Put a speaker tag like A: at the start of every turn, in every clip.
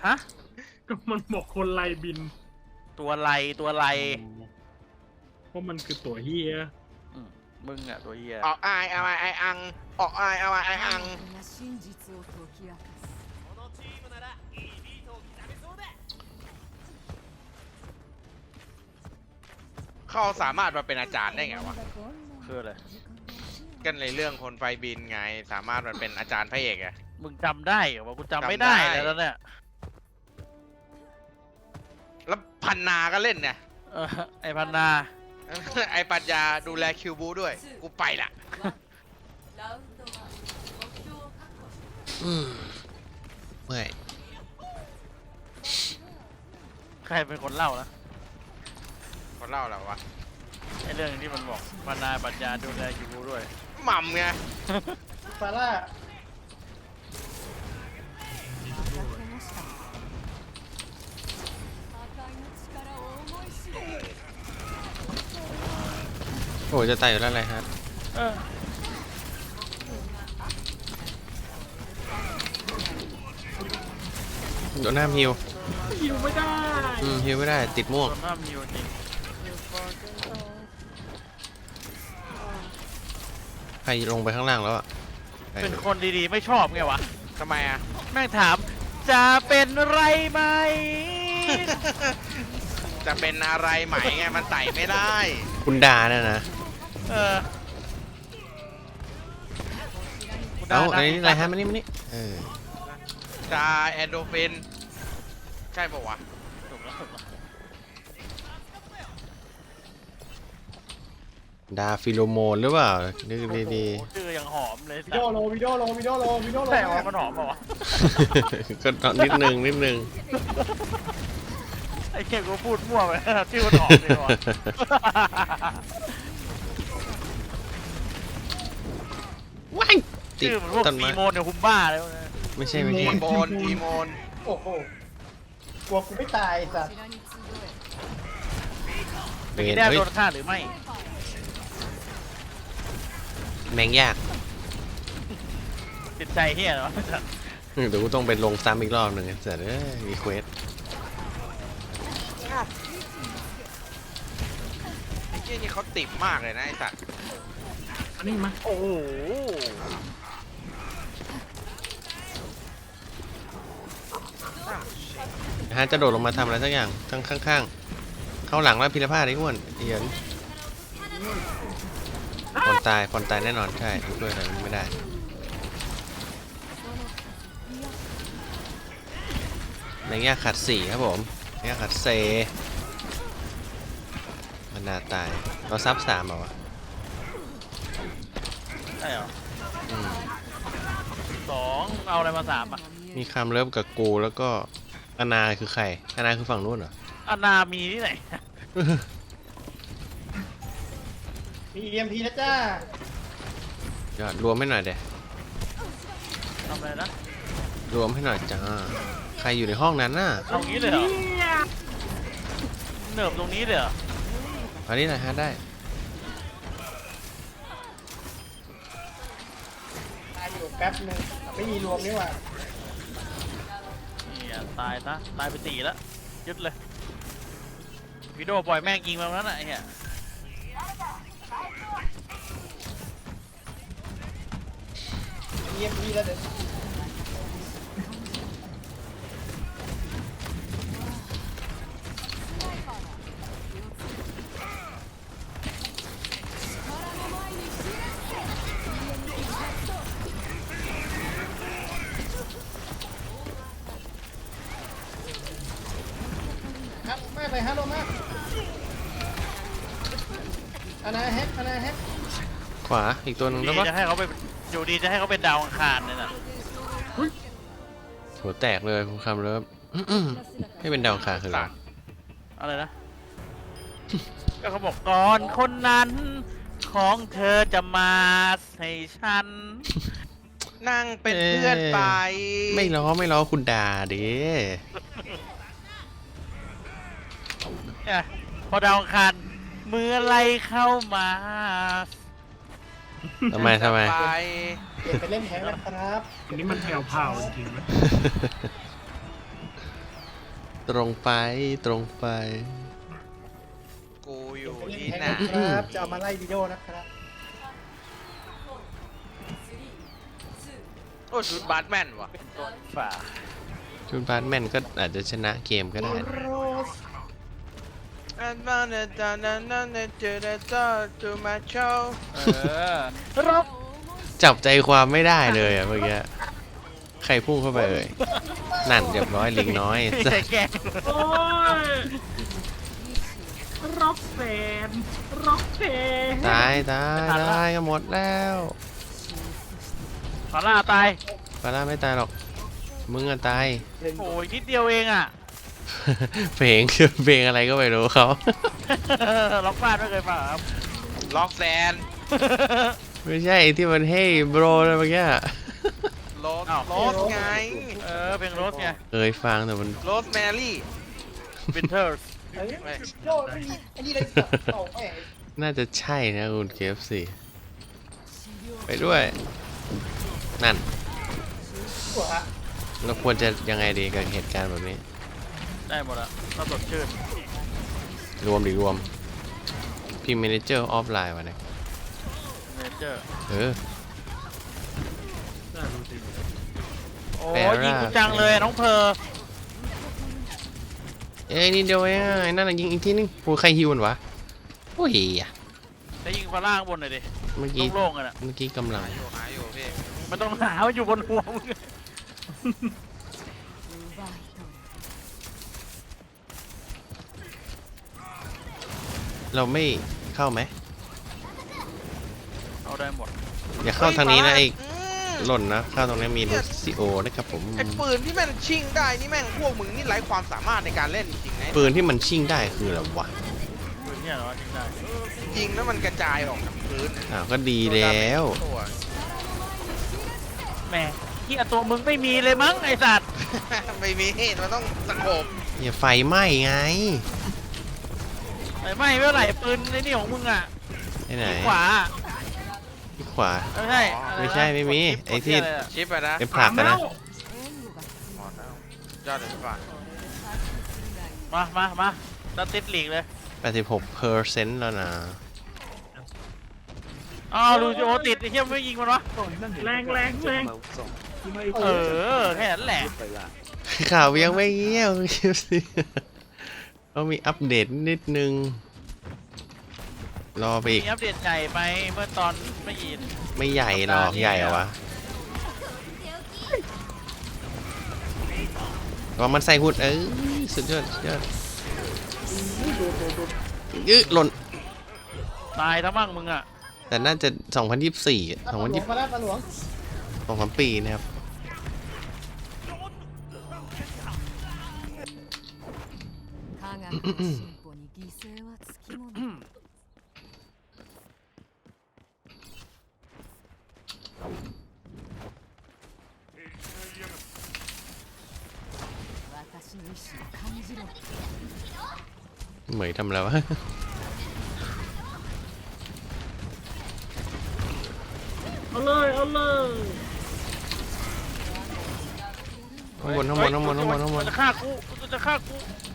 A: ฮะ
B: ก็มันบอกคนไล่บิน
A: ตัวไร
B: เพราะมันคือตัวเฮีย
A: มึงอะตัวเฮีย
C: ออกอายเอาไออังออกอายเอาไออังเขาสามารถมาเป็นอาจารย์ได้ไงวะ
A: คืออะไร
C: กันในเรื่องคนไฟบินไงสามารถมาเป็นอาจารย์พระเอกอะ
A: มึงจำได้เหรอวะกูจำไม่ได้
C: จำได้
A: แล้วเนี่ย
C: แล้วพันนาก็เล่นเนี่ย
A: ไอพันนา
C: ไอปัญญาดูแลคิวบูด้วยกูไปละ
D: เมื่อย
A: ใครเป็นคนเล่านะ
C: เขาเล่าแล้ววะ
A: ไอเรื่องที่มันบอกพันนาปัญญาดูแลอยู่ด้วย
C: หม่ำไง
E: ฟาร่า
D: โอ้จะตายอยู่แล้วอะไรฮะโดนหน้าฮิว
B: หิวไม่ได้
D: ฮิวไม่ได้ติดม่วง
A: คนหน้ามีอยู่จริง
D: ใครลงไปข้างล่างแล้วอ่ะ
A: เป็นคนดีๆไม่ชอบไงวะ
C: ทำไมอะ
A: แม่งถามจะเป็นไรไหม
C: จะเป็นอะไรไหมไงมันไต่ไม่ได้
D: คุณดาเนี่ยนะ
A: เออ
D: เอาอันนี้อะไรฮะมานี่
C: จาแอนโดฟินใช่ปะวะ
A: ถูกแล้ว
D: ดาฟิโลโมนหรือเปล่านึกดี
A: โอ้โหชื่อยังหอมเลย
E: วิดีโอโลวิดีโอโลวิดีโอโลวิดีโอโล
A: แต่ว่ามันหอมเปล่าวะ
D: ๆ ก็นิดนึง
A: ไอ้เก่งกูพูดมั่วไปชื่อมันหอมเลยวะ
D: ว้ายติด
A: ชื่อมันพวก
D: ต้น
A: ฟี
D: ไม้
A: โมนเนี่ยคุมบ้าเลยวะ
D: ไม่ใช่
C: ทีโมน
E: โอ้โหกลัวกูไม่ตายสัตว์
D: เบ
A: มี
D: น
A: แด้
D: เฮ้ย
A: โดนฆ่าหรือไม่
D: แมงยาก
A: ติดใจเฮียเหรอ
D: เดี๋ยวกูต้องไปลงซ้ำอีกรอบหนึ่งเสร็จมีเควส
C: ไอ้เหี้ยนี่เขาติดมากเลยนะไอ้สัตว์
B: อันนี้มา
A: โอ้โห
D: ฮะจะโดดลงมาทำอะไรสักอย่างข้างๆเข้าหลังแล้วพิรพาดไอ้อ้วนเอียนฟอนตายแน่นอนใช่ด้วยอะไรไม่ได้แมงยากขัด4ครับผมแมงยากขัดเซมันนาตายเราซับ3เหรอวะ
A: ใช่เหรอ
D: อืม
A: 2เอาอะไรมา3อ่ะ
D: มีคำเลิฟกับกูแล้วก็อนาคือใครอนาคือฝั่งนู้นเหรอ
A: อนามีที่ไหน
E: มีเอ็มพีนะจ้าย
D: อดรวมให้หน่อยเด้
A: ทำอะไรนะ
D: รวมให้หน่อยจ้าใครอยู่ในห้องนั้นน่ะ
A: เอางี้เลยเหรอเนิบตรงนี้เลยเหรอ
D: อันนี้นะฮะได้
E: ตายอยู่แป๊บนึงไม่มีรวมนี่หว่า
A: นี่อ่ะตายนะตายไป4แล้วยึดเลยวิดีโอปล่อยแม่งยิงมาแล้วน่ะไอ้เหี้ย
E: มีเอ็มพีแล้วเดี๋ยวครับมากเลยฮะโลมากอนาแฮก
D: ขวาอีกตัวหนึ่ง
A: ดี
D: แล้วปะ
A: จะให้เขาไปอยู่ดีจะให้เขาเป็นดาวอังคารเนี่ยน่ะ
D: หัวแตกเลยคุณคำเลิฟให้เป็นดาวอังคารคืออะไร
A: อะไรนะ ก็เขาบอกก่อนคนนั้นของเธอจะมาให้ฉัน
C: นั่งเป็นเพื่อนไป
D: ไม่ล้อคุณด่าดิ
A: เนี่ยพอดาวอังคารเมื่อไรเข้ามา
D: ทำไม
C: ไป
E: เปลี่ยนไปเล่นแฮงแล้วครับ
B: อันนี้มันแผ่วพราวจริงๆนะ
D: ตรงไปตรงไป
C: กูอยู่ที่
E: แทง
C: ไหน
E: นะครับจะเอามาไล่วิดีโอนะครับ
C: โอ้ชุดบาทแมนว่ะ
A: เป็นต้นฝ่า
D: ชุดบาสแมนก็อาจจะชนะเกมก็ได้
E: โรส
C: อันมาเนตานันนันเนเจเดต้าตูมาโช
A: รบ
D: จับใจความไม่ได้เลยอะเมื่อกี้ใครพุ่งเข้าไปเอ่ยนั่นเรียบร้อยลิงน้อย
A: ไม่ใช่แกล้ง
B: โอ้ยร็อกแฟนร็อกแฟน
D: ตายกันหมดแล้ว
A: ขอล่าตาย
D: ปาร่าไม่ตายหรอกมึงอะตาย
A: โอ้ยนิดเดียวเองอ่ะ
D: เพลงเพลงอะไรก็ไม่รู้เขา
A: ล็อกบ้านไม่เคยฟังครับ
C: ล็อกแซน
D: ไม่ใช่ที่มันเฮ้ยโบรอะไรเมื่อกี้อะ
C: โรสโรสไง
A: เพลงโรสไง
D: เคยฟังแต่มัน
C: โรสแมรี่
A: วินเทอร์
E: เฮ้ยโยนไม่มีอันนี้เลยสับเต่าแม่ง
D: น่าจะใช่นะคุณเคฟซีไปด้วยนั่น
E: หัวฮะ
D: เราควรจะยังไงดีกับเหตุการณ์แบบนี้
A: ได้หมดอะถ้าสดชื่น
D: รวมพี่เมเนเจอร์ออฟไลน์วะเนี่ย
A: เนเจอร์
D: เออ
B: น่าดูสิ
A: โอ้
D: แปล
A: ย
D: ว่า
A: ยิงกูจังเลยน้องเพอ
D: เอ้ยนี่เดียวเองอะไอ้นั่นน่ะยิงอีกทีนึงโอ้ใครฮิวมันวะโอ้ยอะ
A: แล้วยิงฟ้าล่างบนหน่อยดิ
D: เมื่อกี้
A: โล่งๆกันอะ
D: เมื่อกี้กำลัง
C: หาอยู่พี่
A: มันต้องหาว่าอยู่บนหัวมึง
D: เราไม่เข้าไหม
A: เอาได้หมด
D: อย่าเข้าทางนี้นะไอ้
C: อืม
D: หล่นนะเข้าตรงนี้มีลูซิโอนะครับผม
C: ไอ้ปืนที่แม่งชิงได้นี่แม่งพวกมึงนี่ไร้ความสามารถในการเล่นจริงๆนะ
D: ปืนที่มันชิ่งได้คืออะไรวะ
A: ปืนเนี่ยเหรอจริงได้
C: ยิงแล้วมันกระจายออกจากพื้น
D: อ้าวก็ดีแล้ว
C: ตัว
A: แหม่ที่ตัวมึงไม่มีเลยมั้งไอสัตว์
C: ไม่มีมันต้องสะโขบ
D: อย่าไฟไหม้ไง
A: ไอ้ไม่เมื่อไหร่ปืนในนี่ของมึงอะ
D: ไอ้ไหน
A: ขวา
D: ที่ขวา
A: ไม่ใช่อะไรนะ
D: ไม่ใช่ไม่มี
A: กด
D: ไอ้ที่
A: กดะรอะ
C: ชิปอะนะ
D: เป็นผลักกันนะ
C: หมดแล้วยอดเลยป่ะ
A: มาตัดติดหลีกเลย
D: 86%แล้วนะ
A: อ้าวลูซิโอติดไอ้เหี้ยไม่ยิงมันวะ
B: แรง
A: เออแค่นั้นแหละ
D: ข่าวยังไม่เงี้ยวคิวสิเขามีอัปเดตนิดนึง รอไปอีก
A: มีอัปเดตใหญ่ไปเมื่อตอนไม่ยิน
D: ไม่ใหญ่หรอกใหญ่เหรอวะว่ามันใส่หุ่นสุดยอดหล่น
A: ตายทั้งมั่งมึงอะ
D: แต่น่าจะ2024
E: ปลาหลวงมาแล้วปลาหลวง
D: 2-3 ปีนะครับ
F: 科学の進歩に犠牲はつきもの私の意志を感じろ
D: เหมยทำแล้ววะ
B: เอาเลยเอาเลย
D: ข้างบน
A: มันจะฆ่ากูมันจะฆ่ากู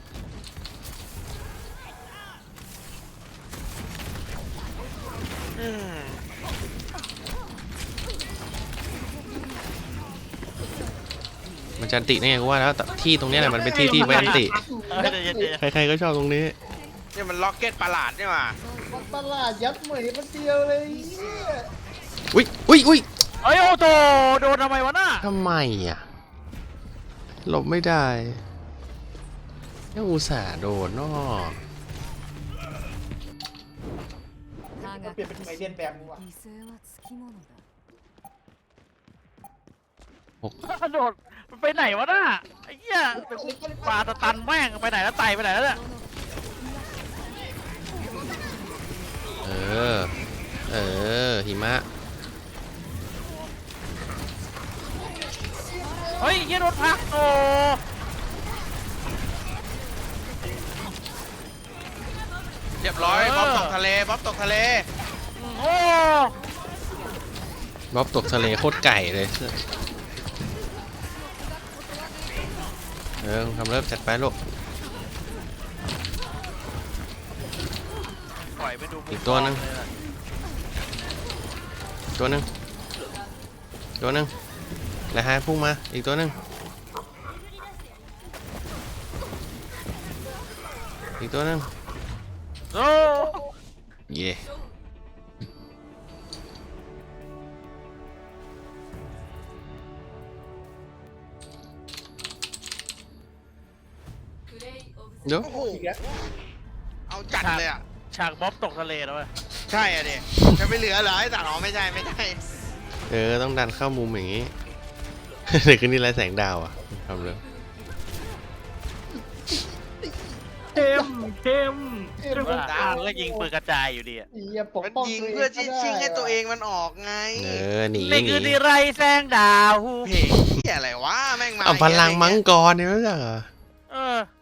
C: อืม
D: มันจะอันติได้ไงกูว่าแล้วแต่ที่ตรงเนี้ยแหละมันเป็นที่ที่ไว้อันติ ใครๆก็ชอบตรงนี้
C: นี่มันล็อกเก็ตประหลาดนี่หว่า
E: ปลาหลาดยัดเหมยมันเดียวเลยเนี่ย
D: อุ้ย
A: เอ้ยโอ้โตโดนทำไมวะน่ะ
D: ทำไมอ่ะ หลบไม่ได้ยังอุตส่าห์โดนเนาะ
F: 科
E: เปลี่ยนเป็นไมเรียนแบบมึง
F: 学
E: ว่ะ
F: の犠牲はつきものだ
A: โดดมันไปไหนวะน่ะไอ้เหี้ยแต่กูปาตะตันแม่งไปไหนแล้วไตไปไหนแล้วเนี่ย
D: หิมะ
A: เฮ้ยเหี้ยโดนพักโต
C: เรียบร้อยบ๊อบตกทะเลบ๊อบตกทะเล
A: โอ้
D: บ๊อบตกทะเลโคตรไก่เลย ทำเริ่มจัดไปลูกอีกตัวหนึงตัวหนึงตัวหนึงแล้วหายพุ่งมาอีกตัวหนึงอีกตัวหนึง
A: โอ้
D: เย่ เดี๋ยว
C: โอ้โห
E: อีกแล้ว
C: เอาจัดเลยอ่ะ
A: ฉากบ๊อบตกทะเลแล้วเว้ย
C: ใช่อ่ะดิจะไปเหลือเหรอไอ้สารอ๋อไม่ใช่ไม่ใช่
D: ต้องดันเข้ามุมอย่างงี้ เดี๋ยวคืนนี้ไรแสงดาวอ่ะทำเลย
B: เข้มเข้มเข้ม
A: ว่ามันก็ยิงปืนกระจายอยู่ดีอะ
E: ไอ้เหี้ยปก
C: มัน
E: ป้อง
C: ยิง
E: ตัวเอง
C: เพื่อ
E: ก็ได้
C: ชิงให้ตัวเองมันออกไง
D: หนี
A: นี่
D: หนี
A: คือที่ไรแสงดาว
C: เพลงเหี้ยอะไรวะแม่งมา
D: เอาพลัง
C: อย่า
D: มัง
C: เย
D: กรเนี่ยไม่ใช่เหรอ
A: เออ